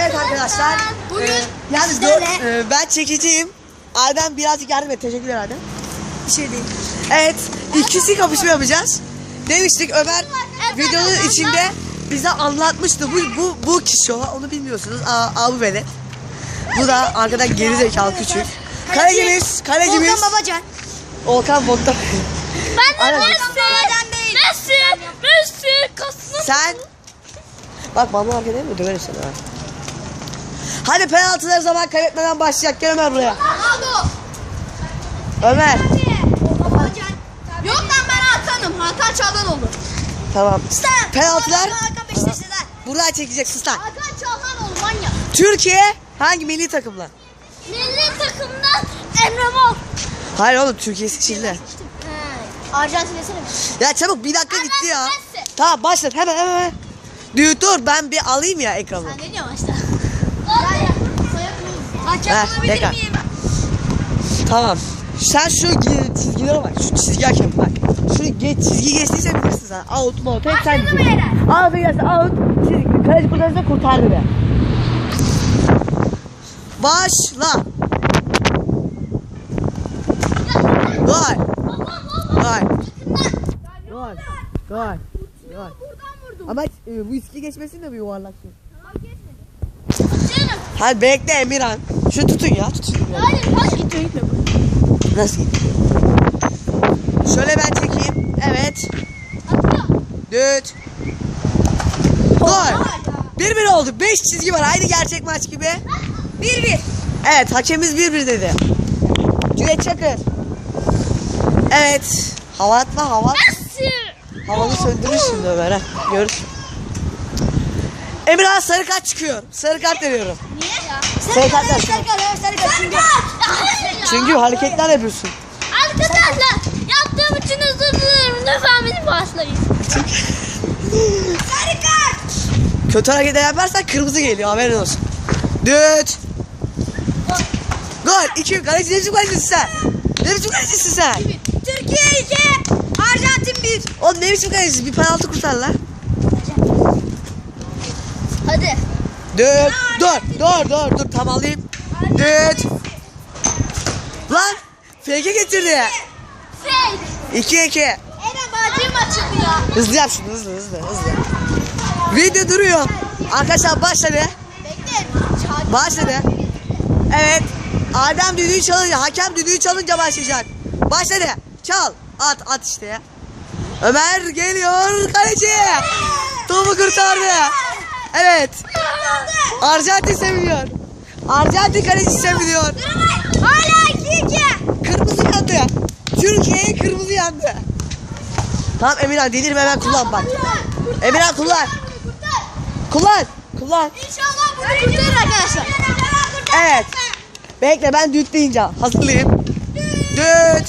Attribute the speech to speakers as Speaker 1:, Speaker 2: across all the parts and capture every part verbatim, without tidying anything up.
Speaker 1: Evet arkadaşlar. Bugün e, yani e, ben çekiciyim. Adem birazcık yardım et. Teşekkürler Adem. Bir şey değil. Evet. İkisi kapışma yapacağız. Demiştik Ömer videonun içinde bize anlatmıştı. Bu bu bu kişi o. Onu bilmiyorsunuz. Aa, abi velet. Bu da arkadan geri zekalı küçük. Kalecimiz, kalecimiz.
Speaker 2: Volkan Babacan.
Speaker 1: Volkan Volkan.
Speaker 2: Ben de Messi. Messi. Messi. Messi. Kasım.
Speaker 1: Sen. Bak bana hareket değil mi? Döverim seni ha. Hadi penaltıları zaman kaybetmeden başlayacak. Gel Ömer buraya.
Speaker 2: Ronaldo.
Speaker 1: Ömer.
Speaker 2: Babacan. Yok lan ben Hakan'ım. Hakan Çalhanoğlu.
Speaker 1: Tamam. Penaltılar.
Speaker 2: Hakan Beşiktaş'ta.
Speaker 1: Buradan çekeceksin sen.
Speaker 2: Hakan Çalhanoğlu manyak.
Speaker 1: Türkiye hangi milli takımla?
Speaker 2: Milli takımdan Emre Mor.
Speaker 1: Hayır oğlum Türkiye seçildi.
Speaker 2: Arjantin desene.
Speaker 1: Ya çabuk bir dakika gitti ya.
Speaker 2: Messi.
Speaker 1: Tamam başlat hemen hemen. hemen. Dur dur ben bir alayım ya ekranı.
Speaker 2: Sen ne diyorsun başta? Hakem
Speaker 1: Ver,
Speaker 2: olabilir
Speaker 1: tekrar.
Speaker 2: miyim?
Speaker 1: Tamam. Sen şu çizgilere bak. Şu çizgi hakem bak. Şu geç, çizgi geçtiyse bilirsin sen. Out mu out hep sen
Speaker 2: Başladı mı
Speaker 1: diyeceksin.
Speaker 2: Eren?
Speaker 1: Out gelsin out. Çizgi. Kaleci kurtarırsa kurtardı be. Başla. Gol. Gol. Gol. Gol. Gol. Ama e, bu iski geçmesin de bir yuvarlak şey.
Speaker 2: Canım.
Speaker 1: Hadi bekle Emirhan. Şu tutun ya tutun. Ya.
Speaker 2: Hayır, hayır. Gitme gitme.
Speaker 1: Nasıl gidiyor? Şöyle ben çekeyim. Evet.
Speaker 2: Atıyor.
Speaker 1: Düt. Gol. bir bir oldu. beş çizgi var. Aynı gerçek maç gibi.
Speaker 2: bir bir.
Speaker 1: Evet hakemimiz bir bir dedi. Cüneyt Çakır. Evet. Hava atma hava.
Speaker 2: Messi.
Speaker 1: Havalı söndürür şimdi Ömer ha. Görürsün. Emirhan sarı kart çıkıyor. Sarı kart veriyorum.
Speaker 2: Niye ya?
Speaker 1: Sarı kart ver.
Speaker 2: Sarı kart, sarı kart. Çünkü.
Speaker 1: Çünkü hareketler yapıyorsun.
Speaker 2: Arkadaşlar yaptığım için özür dilerim. Lütfen beni bağışlayın. Sarı kart.
Speaker 1: Kötü hareketler yaparsan kırmızı geliyor haberin olsun. Düt. Gol. iki. Kaleci ne biçim kalecisin sen? Ne biçim kalecisin sen?
Speaker 2: Türkiye iki. Arjantin bir.
Speaker 1: Oğlum ne biçim kalecisin? Bir penaltı kurtar lan.
Speaker 2: Hadi.
Speaker 1: Düt. Dur. Dur dur dur. Tam alayım. Düt. Lan. Fake'e getirdi.
Speaker 2: Fake.
Speaker 1: iki iki.
Speaker 2: Eren bacım açıldı ya.
Speaker 1: Hızlı yap şunu hızlı hızlı hızlı. Video duruyor. Arkadaşlar başladı.
Speaker 2: Bekle.
Speaker 1: Başladı. Evet. Adem düdüğü çalınca, hakem düdüğü çalınca başlayacak. Başladı. Çal. At at işte ya. Ömer geliyor kaleci. Topu kurtardı. Evet. Arjantin seviniyor. Arjantin kalecisi seviniyor.
Speaker 2: Hala iki iki.
Speaker 1: Kırmızı yandı. Türkiye'ye kırmızı yandı. Tamam Emirhan delirme hemen kullan bak. Emirhan kullan. Kullan. Kullan.
Speaker 2: İnşallah bunu kurtarır arkadaşlar.
Speaker 1: Evet. Bekle ben düt deyince hazırlayayım. Düt.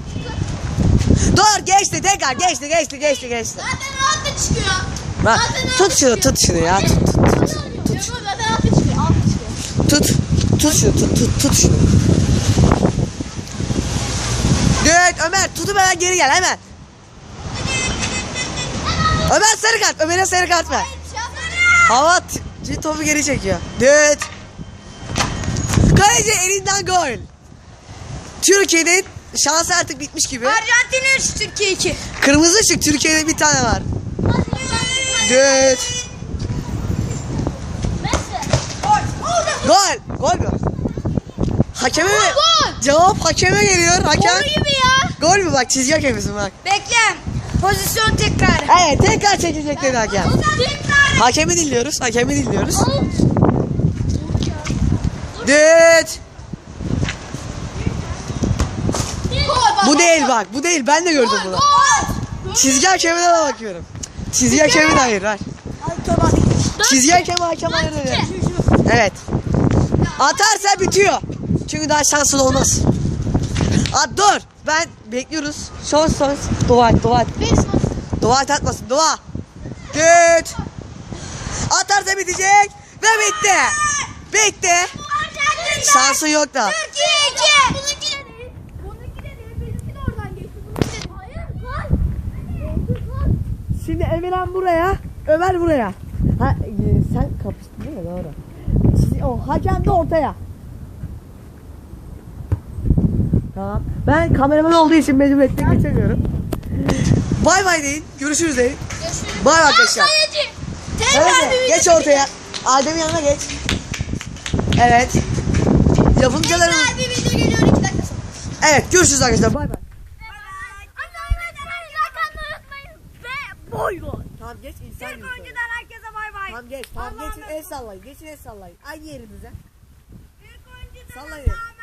Speaker 1: Dur geçti tekrar geçti geçti geçti geçti.
Speaker 2: Zaten altı çıkıyor.
Speaker 1: Bak,
Speaker 2: Zaten
Speaker 1: tut
Speaker 2: altı
Speaker 1: şunu
Speaker 2: çıkıyor.
Speaker 1: tut şunu ya tut tut tut.
Speaker 2: Tut. Zaten altı çıkıyor. Altı çıkıyor.
Speaker 1: Tut. Tut şunu tut tut tut şunu. Düt Ömer tutup hemen geri gel hemen. Ömer sarı kart Ömer'e sarı kart ver. Hava t- topu geri çekiyor. Düt. Kaleci elinden gol. Türkiye'de şansı artık bitmiş gibi.
Speaker 2: Arjantin üç, Türkiye iki.
Speaker 1: Kırmızı ışık Türkiye'de bir tane var. Düt. Gol. Gol mü? Hakeme mi?
Speaker 2: Gol.
Speaker 1: Cevap hakeme geliyor. Hakem.
Speaker 2: Gol gibi ya.
Speaker 1: Gol mü bak çizgi hakemisin bak.
Speaker 2: Bekle. Pozisyon tekrar.
Speaker 1: Evet tekrar çekecek dedi hakem.
Speaker 2: Tekrar.
Speaker 1: Hakemi dinliyoruz. Hakemi dinliyoruz. Düt. Bu değil bak. Bu değil. Ben de gördüm bunu. Çizgi hakemine de bakıyorum. Çizgi hakemine hayır. Ver. Çizgi hakemi hakem hayır dedi. Evet. Atarsa bitiyor. Çünkü daha şansın olmaz. At dur. Ben bekliyoruz. Son son. Dua et dua et. Dua et atmasın. Dua. Düt. Atarsa bitecek. Ve bitti. Bitti. Şansın yok da.
Speaker 2: Türkiye iki. Bununki de değil. Bununki de değil. Benimki de oradan geçti. Bununki de değil. Hayır. Gol.
Speaker 1: Şimdi Emirhan buraya. Ömer buraya. Ha e, sen kapıştın değil mi? Doğru. Siz, o hakem de ortaya. Tamam. Ben kameraman olduğu için mecburiyetten geçemiyorum. Bay bay deyin. Görüşürüz deyin.
Speaker 2: Görüşürüz.
Speaker 1: Bay arkadaşlar.
Speaker 2: Kaleci. Tekrar
Speaker 1: Kaleci,
Speaker 2: bir
Speaker 1: geç ortaya. Adem'in yanına geç. Evet. Yapımcılarımız.
Speaker 2: Tekrar bir video geliyor iki dakika sonra.
Speaker 1: Evet, görüşürüz arkadaşlar. Bay bay.
Speaker 2: Boy boy.
Speaker 1: Tamam geç insan gibi. söyle.
Speaker 2: herkese bay bay.
Speaker 1: Tamam geç. Tamam geçin el sallayın. Geçin el sallayın. Aynı yerinize.
Speaker 2: Büyük oyuncudan
Speaker 1: Sallayın.